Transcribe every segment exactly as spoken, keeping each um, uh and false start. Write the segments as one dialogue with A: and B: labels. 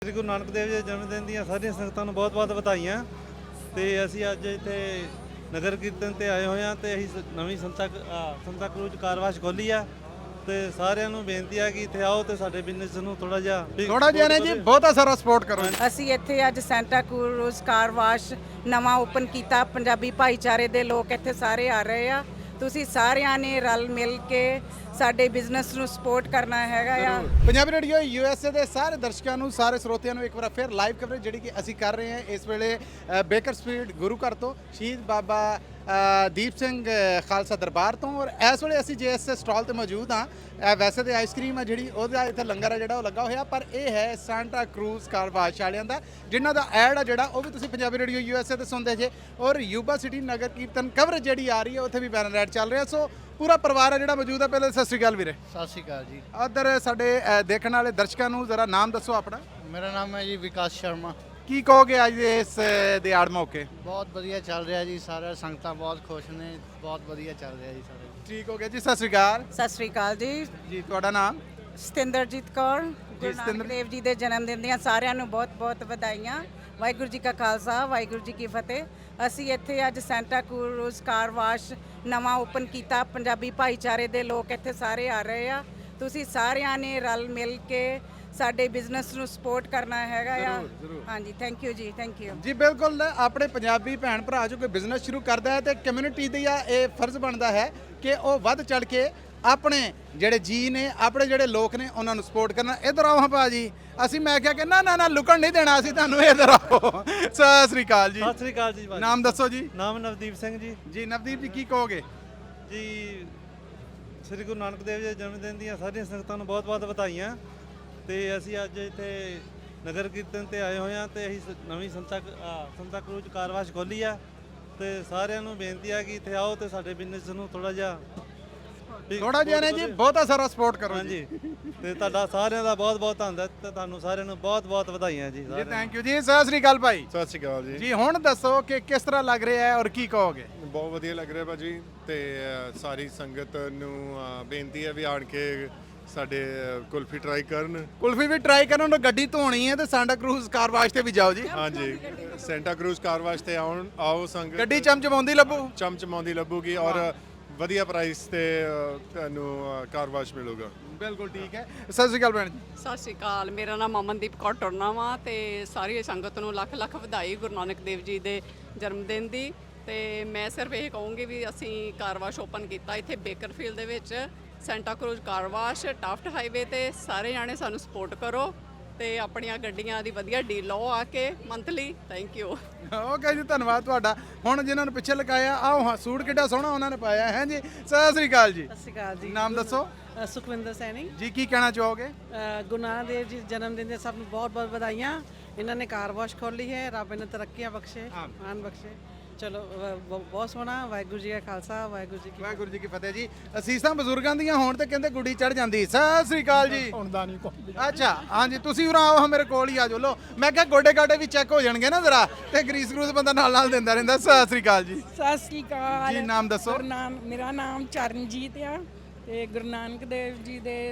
A: ਸ੍ਰੀ ਗੁਰੂ ਨਾਨਕ ਦੇਵ ਜੀ ਦੇ ਜਨਮ ਦਿਨ ਦੀਆਂ ਸਾਰੀਆਂ ਸੰਗਤਾਂ ਨੂੰ ਬਹੁਤ-ਬਹੁਤ ਵਧਾਈਆਂ। ਤੇ ਅਸੀਂ ਅੱਜ ਇੱਥੇ ਨਗਰ ਕੀਰਤਨ ਤੇ ਆਏ ਹੋਏ ਹਾਂ ਤੇ ਅਸੀਂ ਸ- ਨਵੀਂ ਸੰਤਾ ਕ- ਆ, ਸੰਤਾ ਕਰੂਜ਼ ਕਾਰਵਾਸ਼ ਖੋਲੀ ਆ ਤੇ ਸਾਰਿਆਂ ਨੂੰ ਬੇਨਤੀ ਆ ਕਿ ਇੱਥੇ ਆਓ ਤੇ ਸਾਡੇ ਬਿਜ਼ਨਸ ਨੂੰ ਥੋੜਾ ਜਿਹਾ ਵੀ
B: ਥੋੜਾ ਜਿਹਾ ਨੇ ਜੀ ਬਹੁਤਾ ਸਾਰਾ ਸਪੋਰਟ ਕਰੋ।
C: ਅਸੀਂ ਇੱਥੇ ਅੱਜ ਸੈਂਟਾ ਕਰੂਜ਼ ਕਾਰ ਵਾਸ਼ ਨਵਾਂ ਓਪਨ ਕੀਤਾ। ਪੰਜਾਬੀ ਭਾਈਚਾਰੇ ਦੇ ਲੋਕ ਇੱਥੇ ਸਾਰੇ ਆ ਰਹੇ ਆ। ਤੁਸੀਂ ਸਾਰਿਆਂ ਨੇ ਰਲ ਮਿਲ ਕੇ ਸਾਡੇ ਬਿਜ਼ਨਸ ਨੂੰ ਸਪੋਰਟ ਕਰਨਾ ਹੈਗਾ ਆ।
B: Punjabi radio U S A ਦੇ ਸਾਰੇ ਦਰਸ਼ਕਾਂ ਨੂੰ, ਸਾਰੇ ਸਰੋਤਿਆਂ ਨੂੰ ਇੱਕ ਵਾਰ ਫਿਰ ਲਾਈਵ ਕਵਰੇਜ ਜਿਹੜੀ ਕਿ ਅਸੀਂ ਕਰ ਰਹੇ ਹਾਂ ਇਸ ਵੇਲੇ ਅ, ਬੇਕਰ ਸਟਰੀਟ ਗੁਰੂ ਘਰ ਤੋਂ ਸ਼ਹੀਦ ਬਾਬਾ ਅ, ਦੀਪ ਸਿੰਘ ਅ, ਖਾਲਸਾ ਦਰਬਾਰ ਤੋਂ। ਔਰ ਇਸ ਵੇਲੇ ਅਸੀਂ ਜੇ ਇਸ ਸਟਾਲ ਤੇ ਮੌਜੂਦ ਹਾਂ। ਅ, ਵੈਸੇ ਤੇ ਆਈਸਕ੍ਰੀਮ ਆ ਜਿਹੜੀ ਉਹਦਾ ਇੱਥੇ ਲੰਗਰ ਆ ਜਿਹੜਾ ਉਹ ਲੱਗਾ ਹੋਇਆ, ਪਰ ਇਹ ਹੈ ਸੈਂਟਾ ਕਰੂਜ਼ ਕਾਰ ਵਾਸ਼ ਵਾਲਿਆਂ ਦਾ, ਜਿਨ੍ਹਾਂ ਦਾ ਐਡ ਆ ਜਿਹੜਾ ਉਹ ਵੀ ਤੁਸੀਂ Punjabi radio U S A ਤੇ ਸੁਣਦੇ ਜੇ। ਔਰ Yuba City Nagar Kirtan coverage ਜਿਹੜੀ ਆ ਰਹੀ ਹੈ ਉੱਥੇ ਵੀ ਬੈਨਰ ਐਡ ਚੱਲ ਰਿਹਾ। ਸੋ ਪੂਰਾ ਪਰਿਵਾਰ ਆ ਜਿਹੜਾ ਮੌਜੂਦ ਆ। ਪਹਿਲੇ ਸਤਿ ਸ਼੍ਰੀ ਅਕਾਲ ਵੀਰੇ।
D: ਸਤਿ ਸ਼੍ਰੀ ਅਕਾਲ ਜੀ।
B: ਉਧਰ ਸਾਡੇ ਅ, ਦੇਖਣ ਵਾਲੇ ਦਰਸ਼ਕਾਂ ਨੂੰ ਜ਼ਰਾ ਨਾਮ ਦੱਸੋ ਆਪਣਾ।
D: ਮੇਰਾ ਨਾਮ ਹੈ ਜੀ ਵਿਕਾਸ ਸ਼ਰਮਾ।
B: ਕੀ ਕਹੋਗੇ ਅੱਜ ਦੇ ਇਸ ਅ, ਦਿਹਾੜ ਮੌਕੇ।
D: ਬਹੁਤ ਵਧੀਆ ਚੱਲ ਰਿਹਾ ਜੀ, ਸਾਰੇ ਸੰਗਤਾਂ ਬਹੁਤ ਖੁਸ਼ ਨੇ, ਬਹੁਤ ਵਧੀਆ ਚੱਲ ਰਿਹਾ ਜੀ ਸਾਰੇ।
B: ਠੀਕ ਹੋ ਗਿਆ ਜੀ, ਸਤਿ ਸ਼੍ਰੀ ਅਕਾਲ
C: ਸਤਿ ਸ੍ਰੀ ਅਕਾਲ ਜੀ।
B: ਜੀ। ਤੁਹਾਡਾ ਨਾਮ।
C: ਸਤਿੰਦਰਜੀਤ ਕੌਰ। ਗੁਰੂ
B: ਸਤਿੰਦਰ-
C: ਨਾਨਕ ਦੇਵ ਜੀ ਦੇ ਜਨਮ ਦਿਨ ਦੀਆਂ ਸਾਰਿਆਂ ਨੂੰ ਬਹੁਤ-ਬਹੁਤ ਵਧਾਈਆਂ। ਵਾਹਿਗੁਰੂ ਜੀ ਕਾ ਖਾਲਸਾ, ਵਾਹਿਗੁਰੂ ਜੀ ਕੀ ਫਤਿਹ। ਅਸੀਂ ਇੱਥੇ ਅੱਜ ਸੈਂਟਾ ਕਰੂਜ਼ ਕਾਰ ਵਾਸ਼ ਨਵਾਂ ਓਪਨ ਕੀਤਾ। ਪੰਜਾਬੀ ਭਾਈਚਾਰੇ ਦੇ ਲੋਕ ਇੱਥੇ ਸਾਰੇ ਆ ਰਹੇ ਆ। ਤੁਸੀਂ ਸਾਰਿਆਂ ਨੇ ਰਲ ਮਿਲ ਕੇ ਸਾਡੇ ਬਿਜ਼ਨਸ ਨੂੰ ਸਪੋਰਟ ਕਰਨਾ ਹੈਗਾ ਆ। ਹਾਂਜੀ, ਥੈਂਕ ਯੂ ਜੀ, ਥੈਂਕ ਯੂ
B: ਜੀ ਬਿਲਕੁਲ, ਆਪਣੇ ਪੰਜਾਬੀ ਭੈਣ ਭਰਾ ਜੋ ਕੋਈ ਬਿਜ਼ਨਸ ਸ਼ੁਰੂ ਕਰਦਾ ਹੈ ਤੇ ਕਮਿਊਨਿਟੀ ਦਾ ਇਹ ਫਰਜ਼ ਬਣਦਾ ਹੈ ਕਿ ਉਹ ਵੱਧ ਚੜ ਕੇ ਆਪਣੇ ਜਿਹੜੇ ਜੀ ਨੇ, ਆਪਣੇ ਜਿਹੜੇ ਲੋਕ ਨੇ ਉਹਨਾਂ ਨੂੰ ਸਪੋਰਟ ਕਰਨਾ। ਇੱਧਰ ਆਓ ਹਾਂ ਭਾਜੀ। ਅਸੀਂ ਮੈਂ ਕਿਹਾ ਕਿ ਨਾ ਨਾ ਨਾ ਲੁਕਣ ਨਹੀਂ ਦੇਣਾ ਅਸੀਂ ਤੁਹਾਨੂੰ, ਇੱਧਰ ਆਓ। ਸਤਿ ਸ੍ਰੀ ਅਕਾਲ ਜੀ।
A: ਸਤਿ ਸ੍ਰੀ ਅਕਾਲ ਜੀ ਭਾਜੀ।
B: ਨਾਮ ਦੱਸੋ ਜੀ।
A: ਨਾਮ ਨਵਦੀਪ ਸਿੰਘ ਜੀ।
B: ਜੀ ਨਵਦੀਪ ਜੀ, ਕੀ ਕਹੋਗੇ।
A: ਜੀ ਸ੍ਰੀ ਗੁਰੂ ਨਾਨਕ ਦੇਵ ਜੀ ਦੇ ਜਨਮ ਦਿਨ ਦੀਆਂ ਸਾਰੀਆਂ ਸੰਗਤਾਂ ਨੂੰ ਬਹੁਤ-ਬਹੁਤ ਵਧਾਈਆਂ। ਤੇ ਅਸੀਂ ਅੱਜ ਇੱਥੇ ਨਗਰ ਕੀਰਤਨ ਤੇ ਆਏ ਹੋਏ ਹਾਂ ਤੇ ਅਸੀਂ ਸ- ਨਵੀਂ ਸੰਤਾ ਕ- ਆ, ਸੰਤਾ ਕਰੂਜ਼ ਕਾਰਵਾਸ਼ ਖੋਲੀ ਆ ਤੇ ਸਾਰਿਆਂ ਨੂੰ ਬੇਨਤੀ ਆ ਕਿ ਇੱਥੇ ਆਓ ਤੇ ਸਾਡੇ ਬਿਜ਼ਨਸ ਨੂੰ ਥੋੜਾ ਜਿਹਾ ਵੀ
B: ਥੋੜਾ ਜਿਹਾ ਨੇ ਜੀ ਬਹੁਤਾ ਸਾਰਾ ਸਪੋਰਟ ਕਰੋ ਜੀ।
A: ਹਾਂਜੀ। ਤੇ ਤੁਹਾਡਾ ਸਾਰਿਆਂ ਦਾ ਬਹੁਤ-ਬਹੁਤ ਧੰਨਵਾਦ ਤੇ ਤੁਹਾਨੂੰ ਸਾਰਿਆਂ ਨੂੰ ਬਹੁਤ-ਬਹੁਤ ਵਧਾਈਆਂ ਜੀ।
B: ਜੀ
A: ਸਾਰਿਆਂ ਨੂੰ।
B: ਥੈਂਕ ਯੂ ਜੀ। ਸਤਿ ਸ੍ਰੀ ਅਕਾਲ ਭਾਈ।
E: ਸਤਿ ਸ਼੍ਰੀ ਅਕਾਲ ਜੀ।
B: ਜੀ ਹੁਣ ਦੱਸੋ ਕਿ ਕਿਸ ਤਰ੍ਹਾਂ ਲੱਗ ਰਿਹਾ ਹੈ ਔਰ ਕੀ ਕਹੋਗੇ।
E: ਬਹੁਤ ਵਧੀਆ ਲੱਗ ਰਿਹਾ ਭਾਜੀ। ਤੇ ਅ, ਸਾਰੀ ਸੰਗਤ ਨੂੰ ਅ, ਬੇਨਤੀ ਹੈ ਵੀ ਆਣ ਕੇ ਸਾਡੇ ਅ, ਕੁਲਫੀ ਟਰਾਈ ਕਰਨ।
B: ਕੁਲਫੀ ਵੀ ਟਰਾਈ ਕਰਨ ਨੂੰ ਗੱਡੀ ਧੋਣੀ ਹੈ ਤੇ ਸੈਂਟਾ ਕਰੂਜ਼ ਕਾਰ ਵਾਸ਼ ਤੇ ਵੀ ਜਾਓ ਜੀ।
E: ਹਾਂਜੀ, ਸੈਂਟਾ ਕਰੂਜ਼ ਕਾਰ ਵਾਸ਼ ਤੇ ਆਉਣ ਆਓ ਸੰਗਤ।
B: ਗੱਡੀ ਚਮਚਮਾਉਂਦੀ ਲੱਭੂ।
E: ਚਮਚਮਾਉਂਦੀ ਲੱਭੂਗੀ ਔਰ ਵਧੀਆ ਪ੍ਰਾਈਸ ਤੇ ਅ, ਤੁਹਾਨੂੰ ਕਾਰ ਵਾਸ਼ ਮਿਲੂਗਾ।
B: ਬਿਲਕੁਲ ਠੀਕ ਹੈ। ਸਤਿ ਸ਼੍ਰੀ ਅਕਾਲ ਭੈਣ ਜੀ।
F: ਸਤਿ ਸ਼੍ਰੀ ਅਕਾਲ। ਮੇਰਾ ਨਾਮ ਅਮਨਦੀਪ ਕੌਰ ਟੁਰਨਾ ਵਾ ਤੇ ਸਾਰੀ ਸੰਗਤ ਨੂੰ ਲੱਖ ਲੱਖ ਵਧਾਈ ਗੁਰੂ ਨਾਨਕ ਦੇਵ ਜੀ ਦੇ ਜਨਮ ਦਿਨ ਦੀ। ਤੇ ਮੈਂ ਸਿਰਫ ਇਹ ਕਹੂੰਗੀ ਵੀ ਅਸੀਂ ਕਾਰ ਵਾਸ਼ ਓਪਨ ਕੀਤਾ ਇੱਥੇ ਬੇਕਰਫੀਲਡ ਦੇ ਵਿੱਚ, Santa Cruz car wash Taft highway ਤੇ। ਸਾਰੇ ਜਾਣੇ ਸਾਨੂੰ ਸਪੋਰਟ ਕਰੋ ਤੇ ਆਪਣੀਆਂ ਗੱਡੀਆਂ ਦੀ ਵਧੀਆ ਡੀਲ ਲਓ ਆ ਕੇ ਮੰਥਲੀ। Thank you.
B: ਓਕੇ ਜੀ, ਧੰਨਵਾਦ ਤੁਹਾਡਾ। ਹੁਣ ਜਿਨ੍ਹਾਂ ਨੂੰ ਪਿੱਛੇ ਲਗਾਇਆ, ਆਓ ਹਾਂ, ਸੂਟ ਕਿੱਡਾ ਸੋਹਣਾ ਉਹਨਾਂ ਨੇ ਪਾਇਆ ਹੈ ਜੀ। ਸਤਿ ਸ਼੍ਰੀ ਅਕਾਲ ਜੀ।
G: ਸਤਿ ਸ਼੍ਰੀ ਅਕਾਲ ਜੀ।
B: ਨਾਮ ਦੱਸੋ
G: ਅ, ਸੁਖਵਿੰਦਰ ਸੈਣੀ।
B: ਜੀ। ਕੀ ਕਹਿਣਾ ਚਾਹੋਗੇ।
G: ਅ, ਗੁਰੂ ਨਾਨਕ ਦੇਵ ਜੀ ਜਨਮ ਦਿਨ ਦੇ ਸਭ ਨੂੰ ਬਹੁਤ ਬਹੁਤ ਵਧਾਈਆਂ। ਇਹਨਾਂ ਨੇ ਕਾਰ ਵਾਸ਼ ਖੋਲੀ ਹੈ। ਰੱਬ ਇਹਨਾਂ ਤਰੱਕੀਆਂ ਬਖਸ਼ੇ, ਮਾਨ ਬਖਸ਼ੇ। ਚਲੋ ਅ, ਬ- ਬਹੁਤ ਸੋਹਣਾ। ਵਾਹਿਗੁਰੂ ਜੀ ਕਾ ਖਾਲਸਾ, ਵਾਹਿਗੁਰੂ ਜੀ ਕੀ
B: ਵਾਹਿਗੁਰੂ ਜੀ ਕੀ ਫਤਿਹ ਜੀ। ਅਸੀਸਾਂ ਬਜ਼ੁਰਗਾਂ ਦੀਆਂ ਹੋਣ ਤੇ ਕਹਿੰਦੇ ਗੁੱਡੀ ਚੜ ਜਾਂਦੀ। ਸਤਿ ਸ਼੍ਰੀ ਅਕਾਲ ਜੀ।
D: ਹੁੰਦਾ ਨਹੀਂ ਕੋਈ।
B: ਅੱਛਾ, ਹਾਂਜੀ, ਤੁਸੀਂ ਉਰਾਂ ਆਓ, ਮੇਰੇ ਕੋਲ ਹੀ ਆ ਜਾਓ। ਲੋ, ਮੈਂ ਕਿਹਾ ਗੋਡੇ ਗਾਡੇ ਵੀ ਚੈੱਕ ਹੋ ਜਾਣਗੇ ਨਾ ਜ਼ਰਾ, ਤੇ ਗਰੀਸ ਗਰੂਸ ਬੰਦਾ ਨਾਲ ਨਾਲ ਦਿੰਦਾ ਰਹਿੰਦਾ। ਸਤਿ ਸ਼੍ਰੀ ਅਕਾਲ ਜੀ।
H: ਸਤਿ ਸ੍ਰੀ ਅਕਾਲ
B: ਜੀ ਨਾਮ ਦੱਸੋ।
H: ਗੁਰੂ ਨਾਨਕ ਮੇਰਾ ਨਾਮ ਚਰਨਜੀਤ ਆ ਤੇ ਗੁਰੂ ਨਾਨਕ ਦੇਵ ਜੀ ਦੇ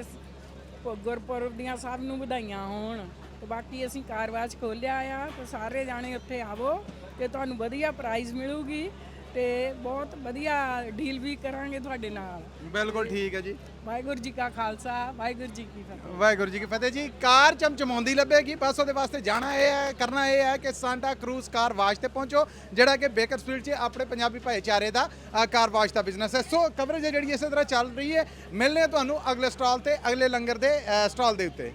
H: ਪ- ਗੁਰਪੁਰਬ ਦੀਆਂ ਸਭ ਨੂੰ ਵਧਾਈਆਂ ਹੋਣ। ਤੇ ਬਾਕੀ ਅਸੀਂ ਕਾਰਵਾਜ ਖੋਲਿਆ ਆ ਤੇ ਸਾਰੇ ਜਾਣੇ ਉੱਥੇ ਆਵੋ ਤੇ ਤੁਹਾਨੂੰ ਵਧੀਆ ਪ੍ਰਾਈਜ਼ ਮਿਲੂਗੀ ਤੇ ਬਹੁਤ ਵਧੀਆ ਡੀਲ ਵੀ ਕਰਾਂਗੇ ਤੁਹਾਡੇ ਨਾਲ।
B: ਬਿਲਕੁਲ ਠੀਕ ਹੈ ਜੀ।
H: ਵਾਹਿਗੁਰੂ ਜੀ ਕਾ ਖਾਲਸਾ, ਵਾਹਿਗੁਰੂ ਜੀ ਕੀ ਫਤਿਹ।
B: ਵਾਹਿਗੁਰੂ ਜੀ ਕੀ ਫਤਿਹ ਜੀ। ਕਾਰ ਚਮਚਮਾਉਂਦੀ ਲੱਭੇਗੀ, ਬਸ ਉਹਦੇ ਵਾਸਤੇ ਜਾਣਾ ਇਹ ਹੈ, ਕਰਨਾ ਇਹ ਹੈ ਕਿ ਸੈਂਟਾ ਕਰੂਜ਼ ਕਾਰ ਵਾਸ਼ ਤੇ ਪਹੁੰਚੋ, ਜਿਹੜਾ ਕਿ ਬੇਕਰ ਸਟਰੀਟ 'ਚ ਆਪਣੇ ਪੰਜਾਬੀ ਭਾਈਚਾਰੇ ਦਾ ਅ, ਕਾਰ ਵਾਸ਼ ਦਾ ਬਿਜ਼ਨਸ ਹੈ। ਸੋ ਕਵਰੇਜ ਜਿਹੜੀ ਇਸੇ ਤਰ੍ਹਾਂ ਚੱਲ ਰਹੀ ਹੈ। ਮਿਲਨੇ ਤੁਹਾਨੂੰ ਅਗਲੇ ਸਟਾਲ ਤੇ, ਅਗਲੇ ਲੰਗਰ ਦੇ ਸਟਾਲ ਦੇ ਉੱਤੇ।